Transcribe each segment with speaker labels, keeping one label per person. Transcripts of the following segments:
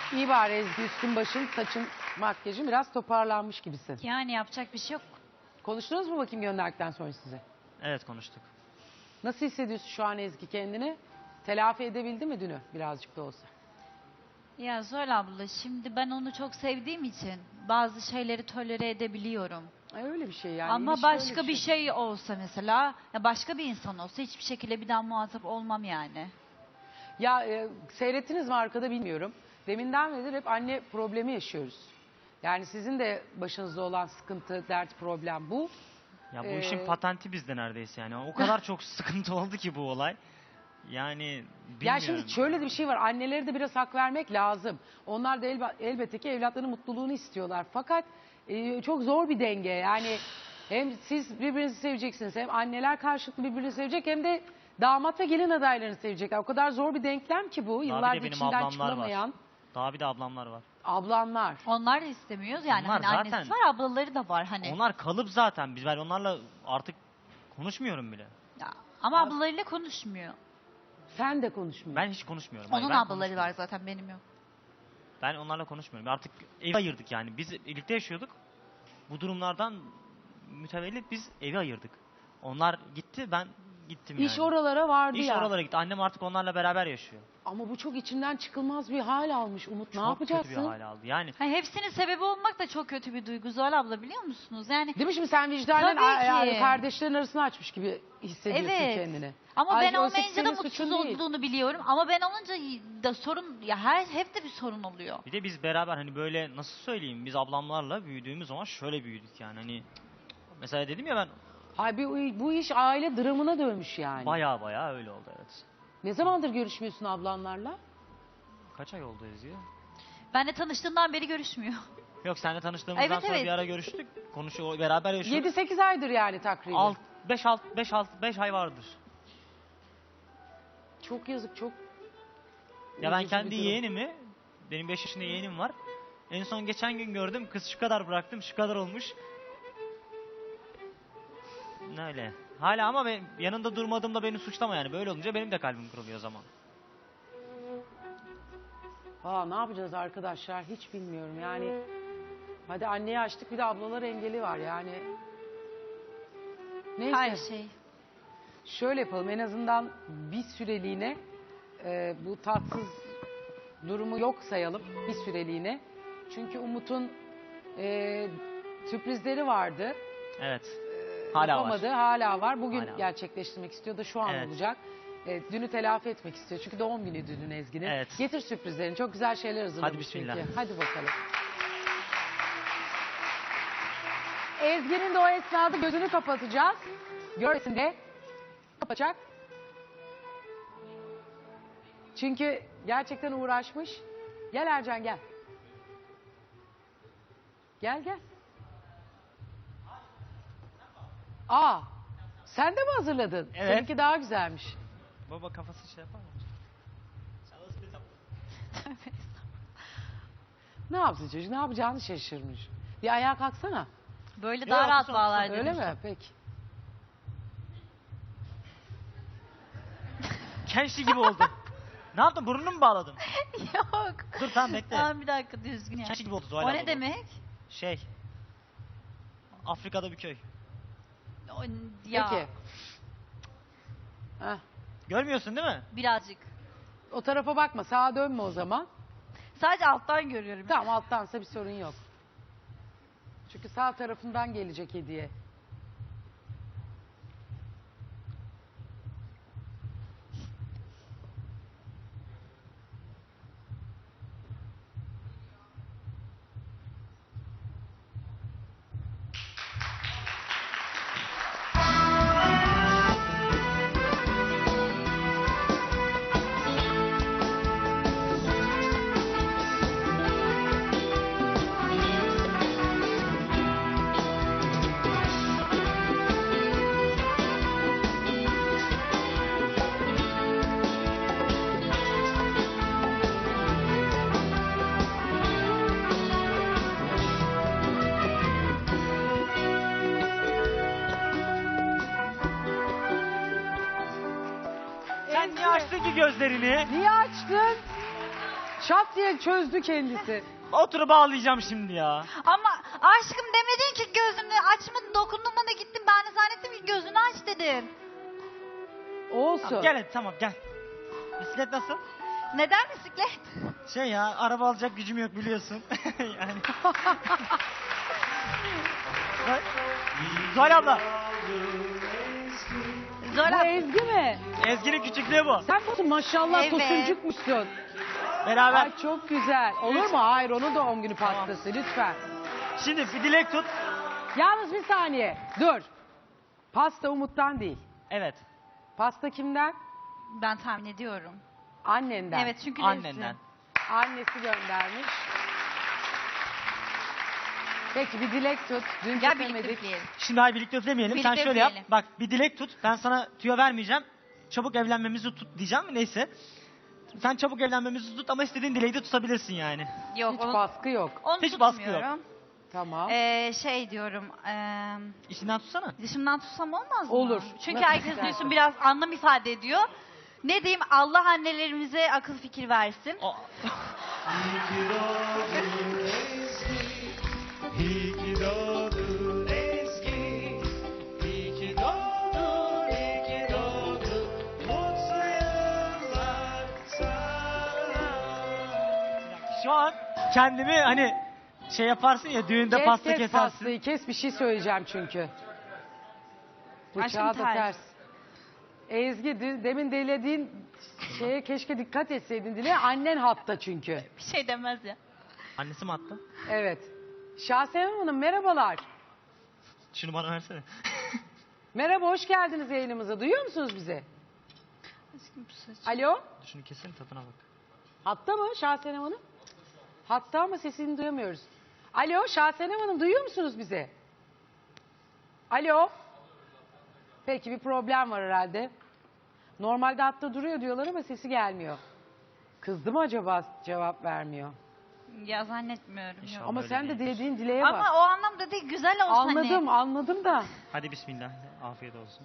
Speaker 1: İyi bari Ezgi, üstün başın, saçın, makyajın biraz toparlanmış gibisin.
Speaker 2: Yani yapacak bir şey yok.
Speaker 1: Konuştunuz mu bakayım gönderdikten sonra size?
Speaker 3: Evet, konuştuk.
Speaker 1: Nasıl hissediyorsun şu an Ezgi kendini? Telafi edebildi mi dünü birazcık da olsa?
Speaker 2: Ya Zuhal abla, şimdi ben onu çok sevdiğim için bazı şeyleri tolere edebiliyorum.
Speaker 1: Öyle bir şey yani.
Speaker 2: Ama
Speaker 1: İlişki
Speaker 2: başka
Speaker 1: öyle
Speaker 2: bir şey olsa mesela, ya başka bir insan olsa hiçbir şekilde bir daha muhatap olmam yani.
Speaker 1: Ya seyrettiniz mi arkada bilmiyorum. Deminden beri hep anne problemi yaşıyoruz. Yani sizin de başınızda olan sıkıntı, dert, problem bu.
Speaker 3: Ya bu işin patenti bizde neredeyse yani. O kadar çok sıkıntı oldu ki bu olay. Yani bilmiyorum.
Speaker 1: Ya şimdi şöyle de bir şey var. Annelere de biraz hak vermek lazım. Onlar da elbette ki evlatlarının mutluluğunu istiyorlar. Fakat çok zor bir denge. Yani hem siz birbirinizi seveceksiniz, hem anneler karşılıklı birbirini sevecek, hem de damat ve gelin adaylarını sevecekler. O kadar zor bir denklem ki bu.
Speaker 3: Daha bir de
Speaker 1: Yıllardır
Speaker 3: benim
Speaker 1: içinden
Speaker 3: ablamlar
Speaker 1: çıkılamayan
Speaker 3: var. Daha bir de ablamlar var.
Speaker 1: ablanlar.
Speaker 2: Onlar da istemiyoruz yani,
Speaker 3: Onlar
Speaker 2: hani
Speaker 3: zaten-
Speaker 2: annesi var, ablaları da var hani.
Speaker 3: Onlar kalıp zaten. Ben onlarla artık konuşmuyorum bile.
Speaker 2: Ya, ama ablalarıyla konuşmuyor.
Speaker 1: Sen de konuşmuyorsun.
Speaker 3: Ben hiç konuşmuyorum. Hayır,
Speaker 2: Onun
Speaker 3: ben
Speaker 2: ablaları
Speaker 3: konuşmuyorum.
Speaker 2: var zaten, benim yok.
Speaker 3: Ben onlarla konuşmuyorum. Artık evi ayırdık yani. Biz birlikte yaşıyorduk. Bu durumlardan mütevellit biz evi ayırdık. Onlar gitti, ben gittim yani.
Speaker 1: İş oralara vardı
Speaker 3: İş
Speaker 1: ya.
Speaker 3: oralara gitti. Annem artık onlarla beraber yaşıyor.
Speaker 1: Ama bu çok içinden çıkılmaz bir hal almış Umut. Ne
Speaker 3: Çok
Speaker 1: yapacaksın?
Speaker 3: kötü bir hale aldı. Yani
Speaker 2: Hani hepsinin sebebi olmak da çok kötü bir duygu Zuhal abla, biliyor musunuz? Yani
Speaker 1: Değil mi şimdi sen vicdanen
Speaker 2: Tabii ki.
Speaker 1: kardeşlerin arasını açmış gibi hissediyorsun
Speaker 2: evet.
Speaker 1: kendini.
Speaker 2: Ama
Speaker 1: Ay,
Speaker 2: ben
Speaker 1: oysa ki
Speaker 2: olmayınca da
Speaker 1: senin suçun
Speaker 2: mutsuz
Speaker 1: değil.
Speaker 2: olduğunu biliyorum. Ama ben olunca da sorun, ya hep de bir sorun oluyor.
Speaker 3: bir de biz beraber hani böyle nasıl söyleyeyim, biz ablamlarla büyüdüğümüz zaman şöyle büyüdük yani. Hani mesela dedim ya ben,
Speaker 1: Hay bu iş aile dramına dönmüş yani.
Speaker 3: baya baya öyle oldu, evet.
Speaker 1: Ne zamandır görüşmüyorsun ablanlarla?
Speaker 3: Kaç ay oldu Ezgi?
Speaker 2: Benle tanıştığından beri görüşmüyor.
Speaker 3: Yok, seninle tanıştığımızdan
Speaker 2: Evet,
Speaker 3: sonra
Speaker 2: evet.
Speaker 3: bir ara görüştük. Beraber yaşıyorduk.
Speaker 1: 7-8 aydır yani takriben.
Speaker 3: 5 ay vardır.
Speaker 1: Çok yazık, çok.
Speaker 3: Ya ben
Speaker 1: üzücü
Speaker 3: kendi
Speaker 1: bir durum.
Speaker 3: yeğenimi, benim 5 yaşında yeğenim var. En son geçen gün gördüm, kız şu kadar bıraktım, şu kadar olmuş. Öyle. Hala ama ben yanında durmadığımda beni suçlama yani. Böyle olunca benim de kalbim kırılıyor o zaman.
Speaker 1: Ne yapacağız arkadaşlar hiç bilmiyorum yani. Hadi anneyi açtık, bir de ablalar engeli var yani. Neyse.
Speaker 2: Her şey.
Speaker 1: Şöyle yapalım, en azından bir süreliğine bu tatsız durumu yok sayalım bir süreliğine. Çünkü Umut'un sürprizleri vardı.
Speaker 3: Evet. Hala
Speaker 1: Yapamadı,
Speaker 3: var.
Speaker 1: hala var. Bugün
Speaker 3: Hala var.
Speaker 1: gerçekleştirmek istiyor da şu an
Speaker 3: Evet.
Speaker 1: olacak. Dünü telafi etmek istiyor. Çünkü doğum günüydü dün Ezgi'nin.
Speaker 3: Evet.
Speaker 1: Getir sürprizlerini. Çok güzel şeyler hazırlamış.
Speaker 3: Hadi bismillah.
Speaker 1: çünkü. Hadi bakalım. Ezgi'nin de o esnada gözünü kapatacağız. Görmesin de kapatacak. Çünkü gerçekten uğraşmış. Gel Ercan gel. Gel gel. Sen de mi hazırladın?
Speaker 3: Evet.
Speaker 1: Seninki daha güzelmiş.
Speaker 3: Baba kafası şey yapar mı?
Speaker 1: Ne yapsın çocuk? Ne yapacağını şaşırmış. Bir ayağa kalksana.
Speaker 2: Böyle
Speaker 3: Yok,
Speaker 2: daha rahat
Speaker 3: son-
Speaker 2: bağlar dedim.
Speaker 1: Öyle mi? Peki.
Speaker 3: Kenşi gibi oldu. Ne yaptın? Burnunu mu bağladın?
Speaker 2: Yok.
Speaker 3: Dur tamam, bekle.
Speaker 2: Tamam, bir dakika, düzgün ya.
Speaker 3: Kenşi gibi oldu Zuhal
Speaker 2: O
Speaker 3: abla
Speaker 2: ne
Speaker 3: bu.
Speaker 2: demek?
Speaker 3: Şey. Afrika'da bir köy.
Speaker 2: O, ya,
Speaker 1: Peki. Heh.
Speaker 3: Görmüyorsun değil mi?
Speaker 2: birazcık.
Speaker 1: O tarafa bakma. Sağa dönme o zaman.
Speaker 2: Sadece alttan görüyorum.
Speaker 1: Tamam, alttansa bir sorun yok. Çünkü sağ tarafından gelecek hediye.
Speaker 3: Sen niye açtın ki gözlerini?
Speaker 1: Niye açtın? Şat diye çözdü kendisi.
Speaker 3: Oturup ağlayacağım şimdi ya.
Speaker 2: Ama aşkım demedin ki gözünü açmadın, dokundun bana, gittin. Ben de zannettim ki gözünü aç dedin.
Speaker 1: Olsun.
Speaker 3: Tamam, gel hadi, tamam gel. Bisiklet nasıl?
Speaker 2: Neden bisiklet?
Speaker 3: Şey ya, araba alacak gücüm yok biliyorsun. Yani. Zuhal abla.
Speaker 2: Zor
Speaker 1: Bu
Speaker 2: abla.
Speaker 1: Ezgi mi?
Speaker 3: Ezgi'nin küçüklüğü bu.
Speaker 1: Sen bu maşallah
Speaker 2: Evet.
Speaker 1: tosuncukmuşsun.
Speaker 3: Beraber.
Speaker 1: Ay çok güzel. Olur mu? Hayır, onun doğum günü pastası lütfen.
Speaker 3: Şimdi bir dilek tut.
Speaker 1: Yalnız bir saniye. Dur. Pasta Umut'tan değil.
Speaker 3: Evet.
Speaker 1: Pasta kimden?
Speaker 2: Ben tahmin ediyorum.
Speaker 1: Annenden.
Speaker 2: Evet, çünkü
Speaker 3: Annenden.
Speaker 1: Annesi göndermiş. Peki bir dilek tut. Dün
Speaker 2: Gel birlikte
Speaker 1: kesemedik.
Speaker 2: üfleyelim.
Speaker 3: Şimdi hayır birlikte üflemeyelim. Sen
Speaker 2: Birlikte
Speaker 3: şöyle yap.
Speaker 2: üfleyelim.
Speaker 3: Bak bir dilek tut. Ben sana tüyo vermeyeceğim. Çabuk evlenmemizi tut diyeceğim. Neyse. Sen çabuk evlenmemizi tut ama istediğin dileği de tutabilirsin yani.
Speaker 2: Yok,
Speaker 1: Hiç
Speaker 2: onu,
Speaker 1: baskı yok.
Speaker 2: onu
Speaker 3: Hiç baskı
Speaker 2: tutmuyorum.
Speaker 1: Tamam.
Speaker 2: Şey diyorum,
Speaker 3: İçinden tutsana.
Speaker 2: dışımdan tutsam olmaz mı?
Speaker 1: Olur.
Speaker 2: Çünkü
Speaker 1: Nasıl
Speaker 2: herkes
Speaker 1: istersen.
Speaker 2: duysun, biraz anlam ifade ediyor. Ne diyeyim, Allah annelerimize akıl fikir versin.
Speaker 3: O-
Speaker 4: İyi ki doğdun Ezgi, iyi ki doğdun Ezgi, iyi ki doğdun, iyi ki doğdun, mutlu yıllar sana.
Speaker 3: Şu an kendimi hani şey yaparsın ya, düğünde
Speaker 1: Kes
Speaker 3: pasta
Speaker 1: kes
Speaker 3: kesersin.
Speaker 1: pastayı kes, bir şey söyleyeceğim çünkü. Bıçağı
Speaker 2: Aşkım
Speaker 1: da
Speaker 2: ters.
Speaker 1: ters. Ezgi demin dilediğin şeye keşke dikkat etseydin dile. Annen hatta çünkü.
Speaker 2: Bir şey demez ya.
Speaker 3: Annesi mi attı?
Speaker 1: Evet. Şahsenem Hanım merhabalar.
Speaker 3: Şunu bana versene.
Speaker 1: Merhaba, hoş geldiniz yayınımıza. Duyuyor musunuz bizi?
Speaker 2: Aşkım bu saç.
Speaker 1: Alo?
Speaker 3: Şunu keselim, tadına bak.
Speaker 1: Hatta mı Şahsenem Hanım? Hatta ama sesini duyamıyoruz. Alo Şahsenem Hanım, duyuyor musunuz bizi? Alo? Peki bir problem var herhalde. Normalde hatta duruyor diyorlar ama sesi gelmiyor. Kızdı mı acaba, cevap vermiyor?
Speaker 2: Ya zannetmiyorum.
Speaker 3: İnşallah.
Speaker 2: Yok.
Speaker 1: Ama
Speaker 3: öyle
Speaker 1: sen de
Speaker 3: değildir.
Speaker 1: dilediğin dileğe bak.
Speaker 2: Ama o anlamda değil, güzel olsun
Speaker 1: Anladım,
Speaker 2: hani.
Speaker 1: anladım da.
Speaker 3: Hadi bismillah. Afiyet olsun.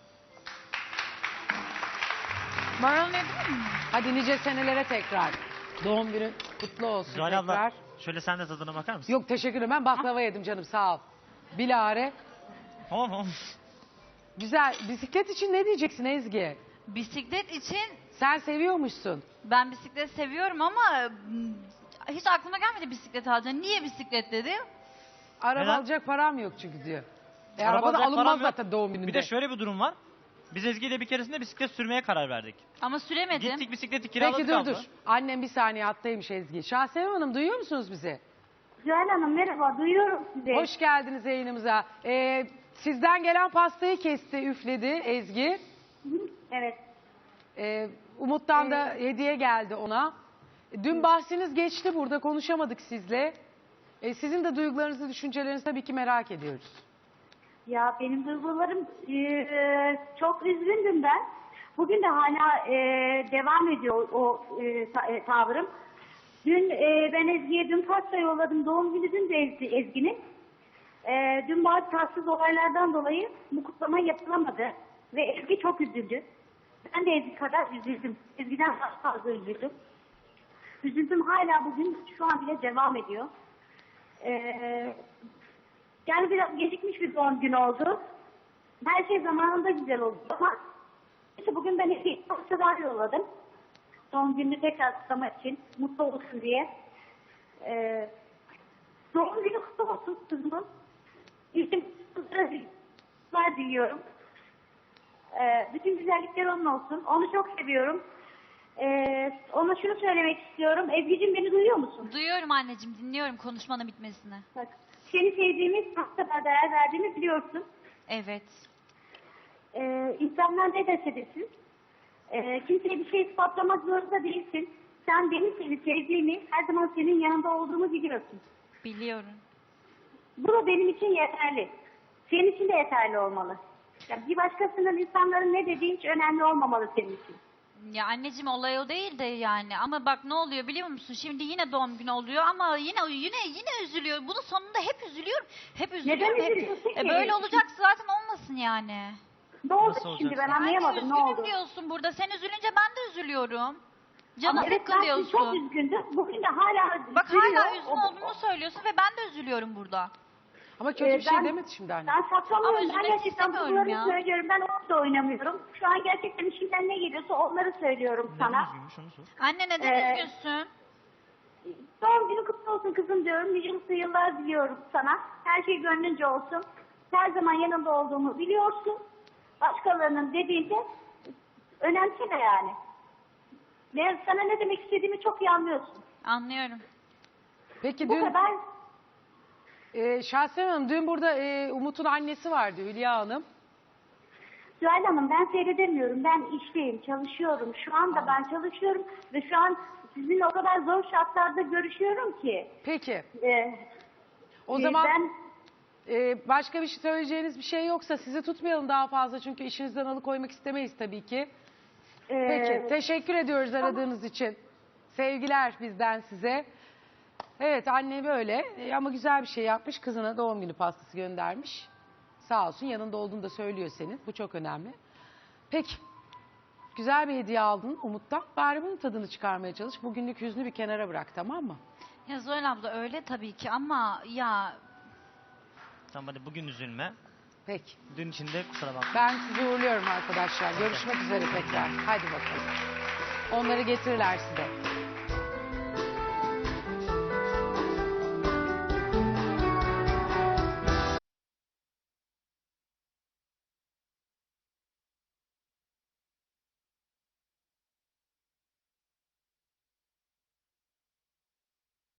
Speaker 2: Baronlayabilir miyim?
Speaker 1: Hadi nice senelere tekrar. Doğum günün kutlu olsun
Speaker 3: Zuhal
Speaker 1: tekrar.
Speaker 3: abla şöyle sen de tadına bakar mısın?
Speaker 1: Yok teşekkür ederim, ben baklava yedim canım, sağ ol. Bilare.
Speaker 3: Tamam tamam.
Speaker 1: Güzel. Bisiklet için ne diyeceksin Ezgi?
Speaker 2: Bisiklet için
Speaker 1: Sen seviyormuşsun.
Speaker 2: ben bisiklet seviyorum ama hiç aklıma gelmedi bisiklet alacağım. Niye bisiklet dedim?
Speaker 1: Araba
Speaker 3: Neden?
Speaker 1: alacak param yok çünkü diyor.
Speaker 3: Araba
Speaker 1: Araba da
Speaker 3: alacak
Speaker 1: alınmaz
Speaker 3: param yok.
Speaker 1: zaten doğum gününde.
Speaker 3: Bir de şöyle bir durum var. Biz Ezgi ile bir keresinde bisiklet sürmeye karar verdik.
Speaker 2: Ama süremedim.
Speaker 3: Gittik bisikleti kiraladık.
Speaker 1: Peki dur
Speaker 3: abla.
Speaker 1: dur. Annem bir saniye hattaymış Ezgi. Şahsenem Hanım duyuyor musunuz bizi?
Speaker 5: Zuhal Hanım merhaba, duyuyorum sizi.
Speaker 1: Hoş geldiniz yayınımıza. Sizden gelen pastayı kesti, üfledi Ezgi.
Speaker 5: Evet.
Speaker 1: Umut'tan da hediye geldi ona. Dün bahsiniz geçti, burada konuşamadık sizle. Sizin de duygularınızı, düşüncelerinizi tabii ki merak ediyoruz.
Speaker 5: Ya benim duygularım çok üzgündüm ben. Bugün de hala devam ediyor o tavrım. Dün ben Ezgi'ye dün pasta yolladım. Doğum günü dün de Ezgi'nin. Dün bazı tatsız olaylardan dolayı bu kutlama yapılamadı. Ve Ezgi çok üzüldü. Ben de Ezgi kadar üzüldüm. Ezgi'den daha fazla üzüldüm. Üzüldüm hala bugün şu an bile devam ediyor. Yani biraz gecikmiş bir doğum günü oldu. Her şey zamanında güzel oldu ama işte bugün ben Ezgi'ye pastalar yolladım. Doğum gününü tekrar kutlamak için, mutlu olsun diye. Doğum günü kutlu olsun kızımın. İşte kızlar diliyorum. Bütün güzellikler onun olsun. Onu çok seviyorum. Ona şunu söylemek istiyorum. Ezgi'cim beni duyuyor musun?
Speaker 2: Duyuyorum anneciğim, dinliyorum konuşmanın bitmesini.
Speaker 5: Bak, seni sevdiğimi, çok kadar değer verdiğimi biliyorsun.
Speaker 2: Evet.
Speaker 5: İnsanlar ne dese desin. Kimseye bir şey ispatlamak zorunda değilsin. Sen benim seni sevdiğimi, her zaman senin yanında olduğumu biliyorsun.
Speaker 2: Biliyorum.
Speaker 5: Bu da benim için yeterli. Senin için de yeterli olmalı. Ya bir başkasının, insanların ne dediği hiç önemli olmamalı senin için.
Speaker 2: Ya anneciğim, olay o değil de yani. Ama bak ne oluyor biliyor musun? Şimdi yine doğum günü oluyor ama yine üzülüyor. Bunun sonunda hep üzülüyorum. Hep üzülüyorum.
Speaker 5: Neden
Speaker 2: Hep.
Speaker 5: üzülüyorsun ki?
Speaker 2: Böyle olacak zaten, olmasın yani.
Speaker 5: Ne oldu
Speaker 3: Nasıl
Speaker 5: şimdi
Speaker 3: olacak?
Speaker 5: ben
Speaker 2: Anne
Speaker 5: anlayamadım ne
Speaker 2: üzgünüm
Speaker 5: oldu?
Speaker 2: diyorsun burada. Sen üzülünce ben de üzülüyorum. Canı
Speaker 5: Ama evet ben çok
Speaker 2: sıkılıyorsun.
Speaker 5: üzgündüm. Bugün de hala
Speaker 2: Bak
Speaker 5: üzülüyor.
Speaker 2: hala üzgün olduğunu söylüyorsun ve ben de üzülüyorum burada.
Speaker 1: Ama kötü bir şey
Speaker 5: Ben-
Speaker 1: demedi şimdi anne.
Speaker 5: Ben saklamıyorum.
Speaker 2: Ama
Speaker 5: Ben
Speaker 2: üzülmek
Speaker 5: gerçekten
Speaker 2: istemiyorum
Speaker 5: bunları
Speaker 2: ya.
Speaker 5: söylüyorum. Ben onu da oynamıyorum. Şu an gerçekten işimden ne geliyorsa onları söylüyorum
Speaker 3: Neden
Speaker 5: sana.
Speaker 3: üzgünmüş onu sor.
Speaker 2: Anne neden üzgünsün?
Speaker 5: Doğum günü kutlu olsun kızım diyorum. Nice mutlu yıllar diliyorum sana. Her şey gönlünce olsun. Her zaman yanında olduğumu biliyorsun. Başkalarının dediğinde önemseme yani. Sana ne demek istediğimi çok iyi anlıyorsun.
Speaker 2: Anlıyorum.
Speaker 1: Peki
Speaker 5: Bu
Speaker 1: dün
Speaker 5: kadar.
Speaker 1: Şahsen Hanım dün burada Umut'un annesi vardı Hülya Hanım.
Speaker 5: Süheyl Hanım ben seyredemiyorum. Ben işteyim, çalışıyorum. Şu anda ben çalışıyorum ve şu an sizinle o kadar zor şartlarda görüşüyorum ki.
Speaker 1: Peki
Speaker 5: Ee,
Speaker 1: o zaman
Speaker 5: ben
Speaker 1: başka bir şey söyleyeceğiniz bir şey yoksa sizi tutmayalım daha fazla çünkü işinizden alıkoymak istemeyiz tabii ki. Peki teşekkür ediyoruz aradığınız için. Sevgiler bizden size. Evet anne böyle ama güzel bir şey yapmış. Kızına doğum günü pastası göndermiş. Sağ olsun yanında olduğunu da söylüyor senin. Bu çok önemli. Peki. Güzel bir hediye aldın Umut'tan. Bari bunun tadını çıkarmaya çalış. Bugünlük hüznü bir kenara bırak tamam mı?
Speaker 2: Ya Zuhal abla öyle tabii ki ama ya
Speaker 3: Tamam hadi bugün üzülme.
Speaker 1: Peki.
Speaker 3: Dün içinde kusura bakma.
Speaker 1: Ben sizi uğurluyorum arkadaşlar. Görüşmek üzere tekrar. Hadi bakalım. Onları getirirler size.